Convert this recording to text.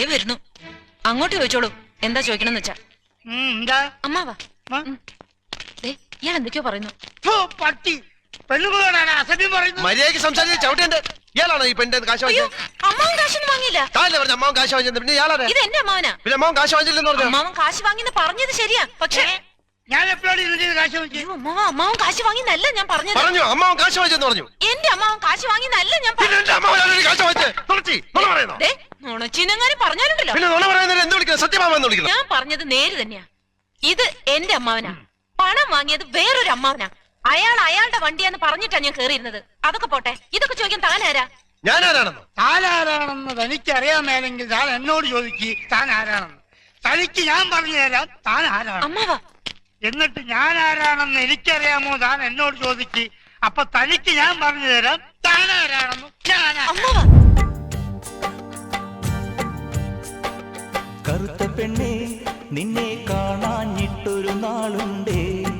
വരുന്നു. അങ്ങോട്ട് ചോദിച്ചോളൂ, എന്താ ചോദിക്കണമെന്ന് വെച്ചാ. എന്താ അമ്മാവാ, ഇയാൾ എന്തൊക്കെയോ പറയുന്നു. പട്ടി പെണ്ണുങ്ങളോടാണ് അസഭ്യം പറയുന്നത്. മര്യാദയ്ക്ക് സംസാരിച്ച് ചവിട്ടേണ്ട. ഇയാളാണോ ഈ പെണ്ണിന്റെ കാശ് വാങ്ങിയത്? അമ്മാവൻ കാശൊന്നും വാങ്ങിയില്ല. താല്ലേ പറഞ്ഞ അമ്മാവൻ കാശ് വാങ്ങിച്ചത്? പിന്നെ ഇയാളാണ്. ഇത് എന്റെ അമ്മാവനാ. പിന്നെ അമ്മാവൻ കാശ് വാങ്ങിച്ചില്ലെന്ന് പറഞ്ഞു. അമ്മാവൻ കാശ് വാങ്ങിന്ന് പറഞ്ഞത് ശരിയാ, പക്ഷേ ഞാൻ എപ്പോഴാണ് ഇതിന്റെ കാശ് വാങ്ങിച്ചത്? അമ്മാവൻ കാശ് വാങ്ങിന്നല്ല ഞാൻ പറഞ്ഞത്. പറഞ്ഞു അമ്മാവൻ കാശ് വാങ്ങിച്ചെന്ന് പറഞ്ഞു. എന്റെ അമ്മാവൻ കാശ് വാങ്ങിന്നല്ല ഞാൻ നുണച്ചിനങ്ങാനും പറഞ്ഞാലുണ്ടല്ലോ. ഞാൻ പറഞ്ഞത് നേര് തന്നെയാ. ഇത് എന്റെ അമ്മാവനാ. പണം വാങ്ങിയത് വേറൊരു അമ്മാവനാ. അയാളുടെ വണ്ടിയാന്ന് പറഞ്ഞിട്ടാ ഞാൻ കേറിയിരുന്നത്. അതൊക്കെ പോട്ടെ, ഇതൊക്കെ ചോദിക്കാൻ താനാരാ? താനാരാണെന്ന് തനിക്കറിയാമേലെങ്കിൽ താൻ എന്നോട് ചോദിക്ക് താൻ ആരാണെന്ന്. തനിക്ക് ഞാൻ പറഞ്ഞു തരാം താൻ ആരാണ്. അമ്മാവാ, എന്നിട്ട് ഞാൻ ആരാണെന്ന് എനിക്കറിയാമോ താൻ എന്നോട് ചോദിക്ക്. അപ്പൊ തനിക്ക് ഞാൻ പറഞ്ഞു തരാം താൻ ആരാണെന്ന്. അമ്മാവാ. കറുത്ത പെണ്ണേ, നിന്നെ കാണാഞ്ഞിട്ടൊരു നാളുണ്ടേ.